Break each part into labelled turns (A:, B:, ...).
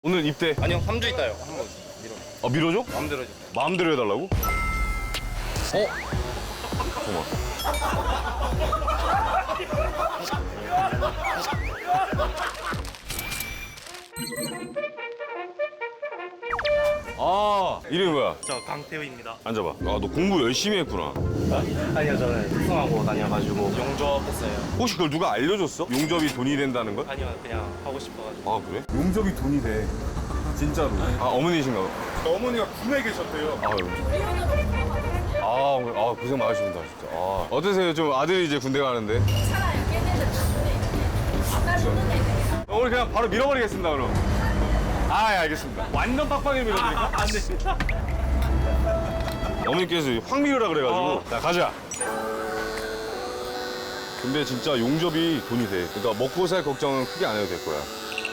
A: 오늘 입대.
B: 아니요, 3주 있다요. 한번 밀어.
A: 밀어줘?
B: 마음대로 해줘.
A: 마음대로 해달라고? 잠깐만. 이름이 뭐야?
B: 저 강태우입니다.
A: 앉아봐. 너 공부 열심히 했구나.
B: 아니요, 저는 특성하고 다녀가지고 용접했어요.
A: 혹시 그걸 누가 알려줬어? 용접이 돈이 된다는 걸?
B: 아니요, 그냥 하고 싶어가지고.
A: 그래? 용접이 돈이 돼. 진짜로. 어머니신가 봐.
C: 어머니가 군에 계셨대요.
A: 고생 많으십니다, 진짜. 어떠세요? 좀 아들이 이제 군대 가는데.
D: 괜찮아요. 걔네들 다 보내. 아까 보는 애들이야.
A: 오늘 그냥 바로 밀어버리겠습니다, 그럼. 예, 알겠습니다. 완전 빡빡이 밀어드릴까?
B: 안 됩니다.
A: 어머니께서 확 밀으라 그래가지고. 자, 가자. 근데 진짜 용접이 돈이 돼. 그러니까 먹고 살 걱정은 크게 안 해도 될 거야. 야,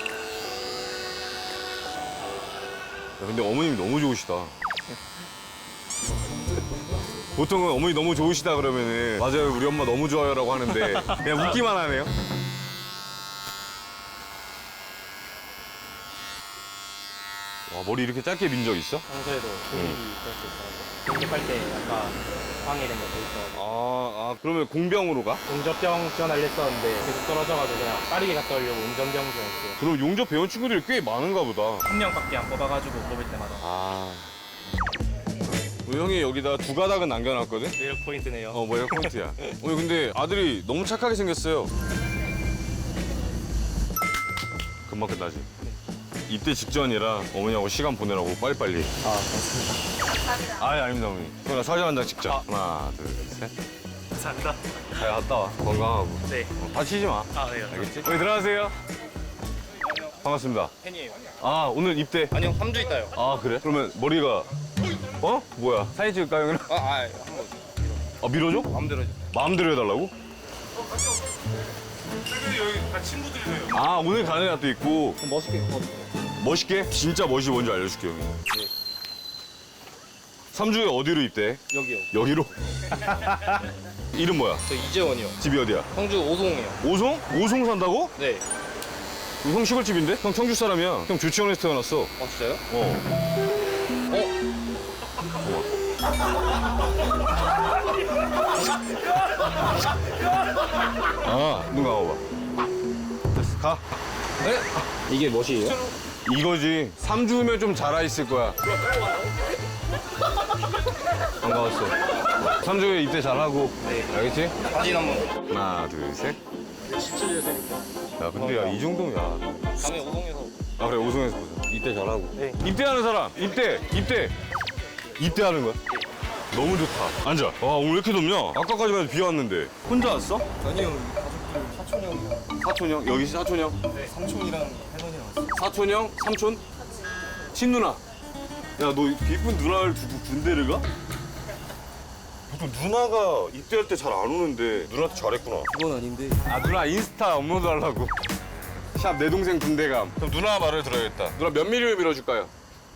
A: 근데 어머님이 너무 좋으시다. 보통은 어머니 너무 좋으시다 그러면은 맞아요, 우리 엄마 너무 좋아요라고 하는데 그냥 웃기만 하네요. 와, 머리 이렇게 짧게 민 적 있어?
B: 평소에도 공익이 그럴 수 있어가지고. 공립할 때 약간 방해된 것도 있어가지고.
A: 그러면 공병으로 가?
B: 용접병 지원하려 했었는데 계속 떨어져가지고 그냥 빠르게 갔다 오려고 운전병 지원했어요.
A: 그럼 용접 배운 친구들이 꽤 많은가 보다.
B: 한 명밖에 안 뽑아가지고 뽑을 때마다.
A: 우리 형이 여기다 두 가닥은 남겨놨거든?
B: 매력 포인트네요.
A: 뭐야, 포인트야. 오늘 근데 아들이 너무 착하게 생겼어요. 금방 끝나지? 입대 직전이라 어머니하고 시간 보내라고 빨리빨리.
B: 고맙습니다.
A: 아닙니다, 어머니. 그럼 나 사진 한 장 찍자. 하나, 둘, 셋.
B: 감사합니다.
A: 잘 갔다 와. 건강하고.
B: 네.
A: 다치지 마.
B: 네.
A: 알겠지? 어머니 들어가세요. 반갑습니다.
B: 팬이에요.
A: 오늘 입대.
B: 아니요, 3주 있다요.
A: 그래? 그러면 머리가 뭐야? 사진 찍을까요, 그럼?
B: 한번
A: 밀어줘?
B: 마음대로 해줘.
A: 마음대로 해달라고?
C: 여기 다 친구들이세요.
A: 오늘 가는 날도 있고.
B: 멋있게 걷어요.
A: 멋있게? 진짜 멋이 뭔지 알려줄게, 형이.
B: 네.
A: 3주에 어디로 입대?
B: 여기요.
A: 여기로? 이름 뭐야?
B: 저 이재원이요.
A: 집이 어디야?
B: 청주 오송이요.
A: 오송? 오송 산다고?
B: 네.
A: 형 시골집인데? 형 청주 사람이야. 형 조치원에서 태어났어.
B: 진짜요?
A: 눈 감아봐. 됐어, 가.
B: 네? 이게 멋이에요?
A: 이거지. 3주면 좀 자라있을 거야. 반가웠어. 3주에 입대 잘하고.
B: 네.
A: 알겠지?
B: 사진 한번.
A: 하나, 둘, 셋.
B: 17년생입니다.
A: 야, 근데 야, 이 정도면 야.
B: 다음에 오송에서.
A: 그래, 오송에서 보자. 입대 잘하고.
B: 네.
A: 입대하는 사람, 입대하는 거야? 너무 좋다. 앉아. 오늘 왜 이렇게 덥냐? 아까까지만 해도 비 왔는데. 혼자 왔어?
E: 아니요, 가족들 사촌 형이랑
A: 사촌 형? 여기 사촌 형?
E: 삼촌이랑 할머니랑 왔어요.
A: 사촌 형? 삼촌? 친누나. 야, 너 이쁜 누나를 두고 군대를 가? 보통 누나가 입대할 때 잘 안 오는데 누나한테 잘했구나.
E: 그건 아닌데
A: 누나 인스타 업로드 하려고. 샵 내 동생 군대감. 그럼 누나 말을 들어야겠다. 누나 몇 미리를 밀어줄까요?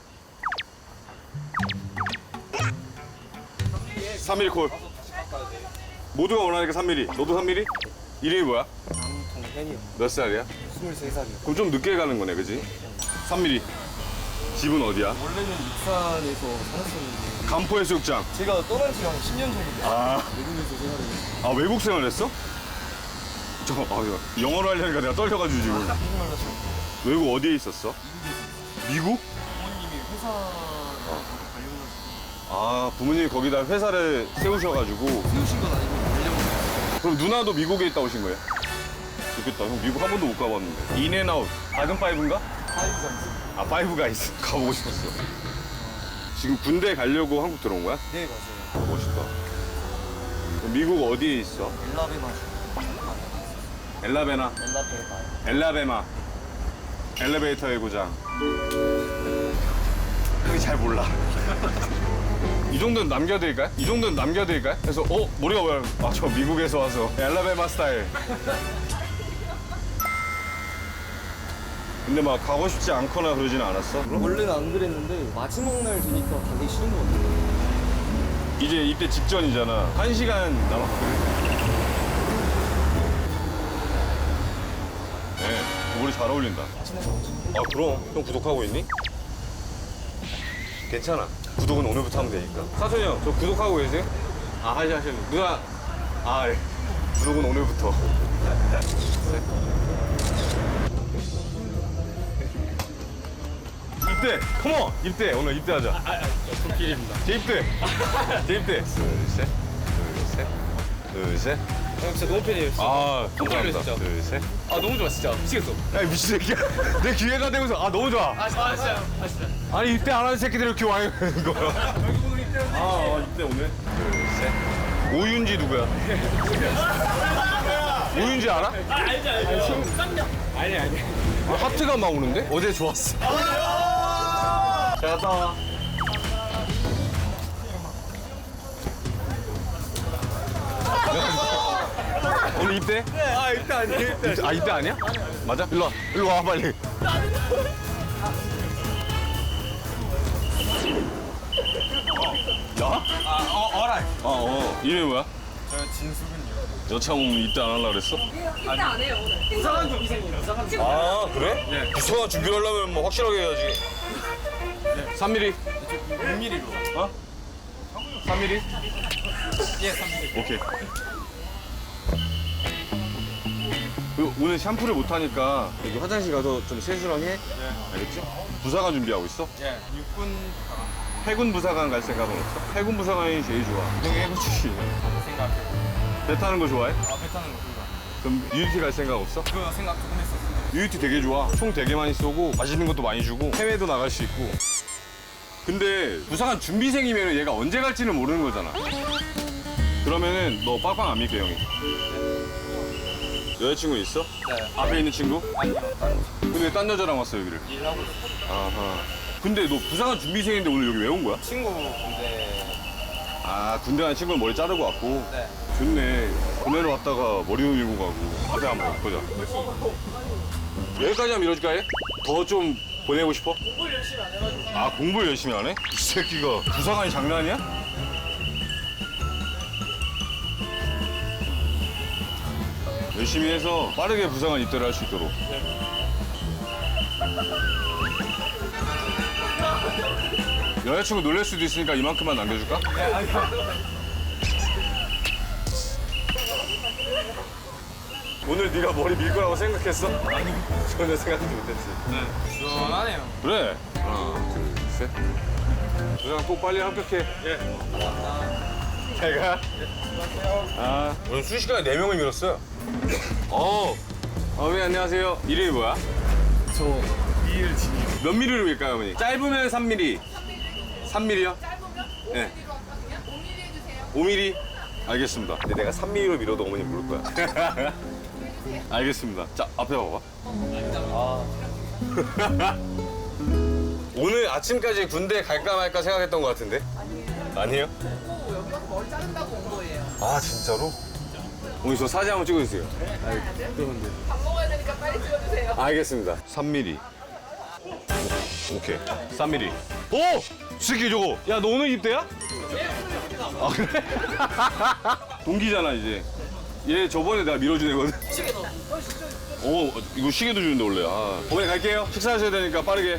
A: 3mm 콜. 모두가 원하니까 3mm. 너도 3mm? 이름이 뭐야?
E: 남동현이요.
A: 몇 살이야?
E: 23살이요.
A: 그럼 좀 늦게 가는 거네, 그지? 3mm. 집은 어디야?
E: 원래는 익산에서 살았었는데
A: 간포해수욕장.
E: 제가 떠난 지가 한 10년 정도 됐어요. 외국에서 생활을 했어요.
A: 외국 생활했어? 영어로 하려니까 내가 떨려가지고 지금.
E: 한국말 하죠.
A: 외국 어디에 있었어? 미국?
E: 부모님이 회사 관련해서
A: 부모님이 거기다 회사를 세우셔가지고.
E: 세우신 건 아니고 관련.
A: 그럼 누나도 미국에 있다 오신 거예요? 좋겠다. 형 미국 한 번도 못 가봤는데. 인앤아웃. 작은 파이브인가?
E: 사이즈가
A: 파이브가 있어. 가보고 싶었어. 지금 군대 가려고 한국 들어온 거야?
E: 네, 맞아요.
A: 멋있다. 그럼 미국 어디에 있어?
E: 엘라베마
A: 엘라베나. 엘라베마. 엘리베이터의 고장. 형이 잘 몰라. 이 정도는 남겨드릴까요? 그래서 머리가 뭐야? 저 미국에서 와서 엘라베마 스타일. 근데 막 가고 싶지 않거나 그러진 않았어?
E: 원래는 안 그랬는데 마지막 날 되니까 가기 싫은 것 같아요.
A: 이제 입대 직전이잖아. 1시간 남았거든. 네, 머리 잘 어울린다.
E: 친해서
A: 아 그럼 형 구독하고 있니? 괜찮아. 구독은 오늘부터 하면 되니까. 사촌이 형, 저 구독하고 계세요? 아 하셨네. 누나. 아 예. 구독은 오늘부터. 입대. 컴온. 입대. 오늘 입대하자.
B: 불길입니다.
A: 재입대. 재입대. 둘 셋. 둘 셋. 둘 셋.
B: 형 진짜 너무 팬이에요. 진짜.
A: 아 감사합니다.
B: 진짜.
A: 둘 셋.
B: 아 너무 좋아 진짜. 미치겠어.
A: 야 미친 새끼야. 내 기회가 되고서 아 너무 좋아.
B: 진짜.
A: 아니 입대 안 하는 새끼들 이렇게 와야 하는 거야. 입대 오늘. 둘 셋. 오윤지 누구야? 오윤지 알아?
B: 아니.
A: 하트가 막 오는데? 어제 좋았어. 잘 갔다 와. 오늘 입대?
C: 아 입대 아니에요.
A: 아 입대 아니야? 맞아? 일로 와. 일로 와 빨리. 나?
C: 어라이.
A: 이름이 뭐야?
C: 저 진수근요.
A: 여창 오면 입대 안 하려고 그랬어?
D: 입대 안 해요 오늘.
B: 부상한 준비생이에요. 부상한 준비.
A: 아 그래? 네. 부서가 준비를 하려면 뭐 확실하게 해야지. 3mm.
C: 6mm로.
A: 어? 3mm?
C: 예, 3mm.
A: 오케이. 오늘 샴푸를 못 하니까 여기 화장실 가서 좀 세수랑 해. 알겠지? 부사관 준비하고 있어?
C: 예, 육군
A: 해군 부사관 갈 생각은 없어? 해군 부사관이 제일 좋아. 형이 해군 출신이야.
C: 생각.
A: 배 타는 거 좋아해?
C: 배 타는 거 그거.
A: 그럼 UT 갈 생각 없어?
C: 그거 생각 조금 했었어요.
A: UT 되게 좋아. 총 되게 많이 쏘고 맛있는 것도 많이 주고 해외도 나갈 수 있고. 근데 부사관 준비생이면 얘가 언제 갈지는 모르는 거잖아. 그러면은 너 빡빡 안 믿게 형이. 여자친구 있어?
C: 네.
A: 앞에 있는 친구?
C: 아니요, 다른
A: 근데 왜 딴 여자랑 왔어 여기를?
C: 일하고 있어요.
A: 아하. 근데 너 부사관 준비생인데 오늘 여기 왜 온 거야?
C: 친구 근데
A: 아 군대 간 친구는 머리 자르고 왔고.
C: 네.
A: 좋네. 군대로 왔다가 머리 밀고 가고. 그래 한번 보자. 여기까지만 밀어줄까 해? 더 좀 보내고 싶어? 공부를 열심히 안 해가지고. 아 공부를 열심히 안 해? 이 새끼가 부사관이 장난이야? 열심히 해서 빠르게 부사관 입대를 할 수 있도록. 여자친구 놀랄 수도 있으니까 이만큼만 남겨줄까? 오늘 네가 머리 밀 거라고 생각했어? 아니 전혀 생각하지 못했지.
C: 시원하네요.
A: 그래. 하나, 둘, 셋. 부사관 꼭 빨리 합격해. 예. 잘 가. 아, 오늘 순식간에 4명을 밀었어요. 네, 안녕하세요. 이름이 뭐야?
C: 저 이일진이요.
A: 몇 미리로 밀까요, 어머니? 짧으면 3mm. 3mm요?
D: 짧으면 5mm로
A: 네.
D: 하거든요. 5mm 해주세요.
A: 5mm? 알겠습니다. 근데 내가 3mm로 밀어도 어머니 모를 거야. 알겠습니다. 자, 앞에 봐봐. 오늘 아침까지 군대 갈까 말까 생각했던 것 같은데? 아니에요.
D: 오, 여기 와서 머리 자른다고 온 거예요.
A: 아, 진짜로? 오늘 저 사진 한번 찍어주세요.
D: 밥 먹어야 되니까 빨리 찍어주세요.
A: 알겠습니다. 3mm. 오케이. 3mm. 오! 새끼 저거. 야, 너 오늘 입대야? 아, 그래? 동기잖아, 이제. 얘 저번에 내가 밀어준 애거든. 시계도. 오, 이거 시계도 주는데, 원래. 아. 어머니 갈게요. 식사하셔야 되니까 빠르게.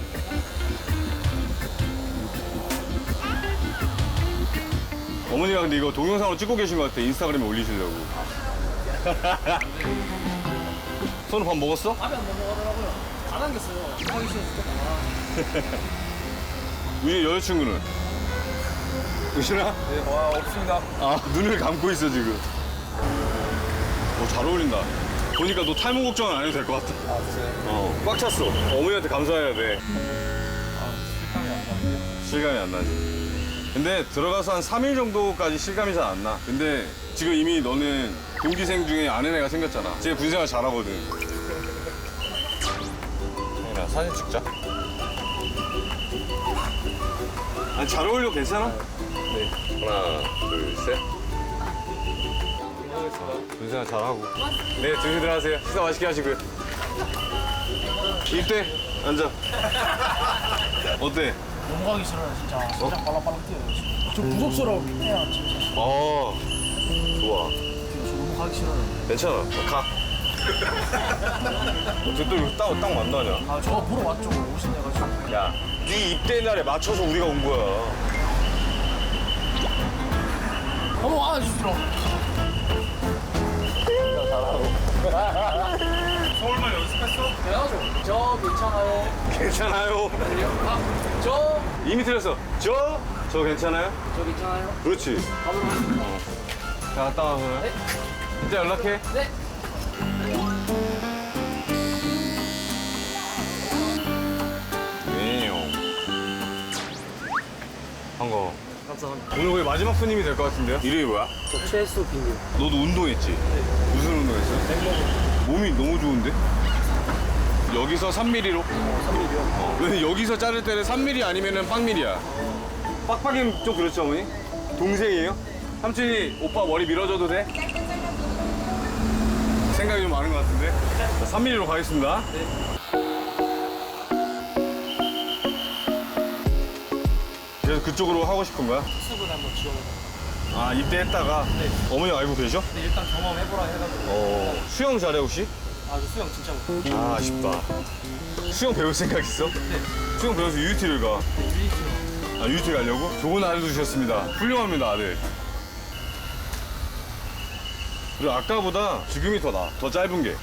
A: 어머니가 근데 이거 동영상으로 찍고 계신 것 같아. 인스타그램에 올리시려고. 손은 밥 먹었어?
E: 밥이 안 넘어가더라고요. 다 남겼어요. 하기 싫어 죽겠다.
A: 우리 여자친구는? 의신아?
C: 네, 와 없습니다.
A: 아, 눈을 감고 있어, 지금. 잘 어울린다. 보니까 너 탈모 걱정은 안 해도 될 것 같아.
C: 아 진짜요?
A: 꽉 찼어. 어머니한테 감사해야 돼.
C: 실감이 안 나는데.
A: 실감이 안 나지. 근데 들어가서 한 3일 정도까지 실감이 잘 안 나. 근데 지금 이미 너는 동기생 중에 아는 애가 생겼잖아. 쟤 군생활 잘하거든. 혜인아, 사진 찍자. 아니, 잘 어울려, 괜찮아? 네. 하나, 둘, 셋. 군생활 잘하고. 네, 조심들 하세요. 식사 맛있게 하시고요. 입대. 앉아. 어때?
E: 넘어가기 싫어요 진짜. 심장 빨랑빨랑 뛰어요. 좀 무섭더라고요. 진짜.
A: 좋아.
E: 저 넘어가기 싫어요.
A: 괜찮아. 가. 어떻게 또 이거 딱 만나냐?
E: 아, 저 보러 왔죠. 오신해가지고.
A: 야, 네 입대 날에 맞춰서 우리가 온 거야.
E: 어머, 안아주시죠.
C: 서울말 연습했어?
E: 해야죠. 저 괜찮아요.
A: 괜찮아요.
E: 아, 저
A: 이미 틀렸어. 저 괜찮아요?
E: 괜찮아요.
A: 그렇지.
E: 가보러 가겠습니다.
A: 자, 갔다 와, 그러면.
E: 네.
A: 이따 연락해.
E: 네.
A: 네. 반가워.
E: 감사합니다.
A: 오늘 거의 마지막 손님이 될 것 같은데요? 이름이 뭐야?
E: 저 최수 빈님.
A: 너도 운동했지? 무슨 운동했어? 몸이 너무 좋은데? 여기서 3mm로?
E: 3mm요.
A: 근데 여기서 자를 때는 3mm 아니면은 빡밀이야. 빡빡이면 좀 그렇죠, 어머니? 동생이에요? 삼촌이 오빠 머리 밀어줘도 돼? 생각이 좀 많은 것 같은데? 자, 3mm로 가겠습니다. 그래서 그쪽으로 하고 싶은 거야?
E: 수분 한번 지원해서.
A: 아, 입대했다가?
E: 네.
A: 어머니 알고 계셔?
E: 근데 일단 경험해보라 해가지고.
A: 수영 잘해, 혹시?
E: 아, 저 수영 진짜 못해요.
A: 아, 아쉽다. 수영 배울 생각 있어?
E: 네.
A: 수영 배워서 UT를 가.
E: 네, 유리수영.
A: 아, UT 가려고? 좋은 아들 두셨습니다. 훌륭합니다, 아들. 그리고 아까보다 지금이 더 나아. 더 짧은 게.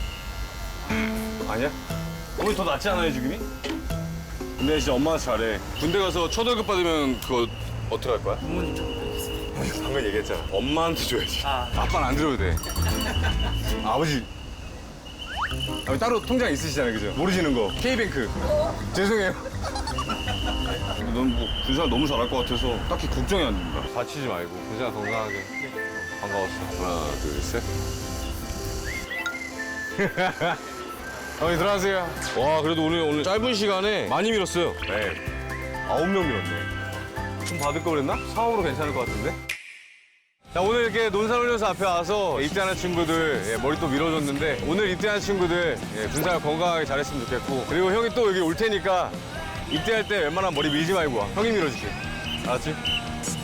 A: 아니야? 어머니 더 낫지 않아요, 지금이? 근데 진짜 엄마가 잘해. 군대 가서 초월급 받으면 그거 어떻게 할 거야?
E: 부모님 좀 뵙겠습니다.
A: 방금 얘기했잖아. 엄마한테 줘야지.
E: 아.
A: 아빠는 안 들어도 돼. 아버지. 아버지 따로 통장 있으시잖아요, 그죠? 모르시는 거. K뱅크. 죄송해요. 넌 뭐 군생활 너무 잘할 것 같아서 딱히 걱정이 안 된다. 다치지 말고 군생활 건강하게. 반가웠어. 하나, 둘, 셋. 어머니 들어가세요. 와, 그래도 오늘 짧은 시간에 많이 밀었어요. 네. 9명 밀었네. 좀 받을 거 그랬나? 사업으로 괜찮을 것 같은데? 자, 오늘 이렇게 논산훈련소 앞에 와서 입대하는 친구들 머리 또 밀어줬는데 오늘 입대하는 친구들 군생활 건강하게 잘했으면 좋겠고 그리고 형이 또 여기 올 테니까 입대할 때 웬만하면 머리 밀지 말고 와. 형이 밀어줄게. 알았지?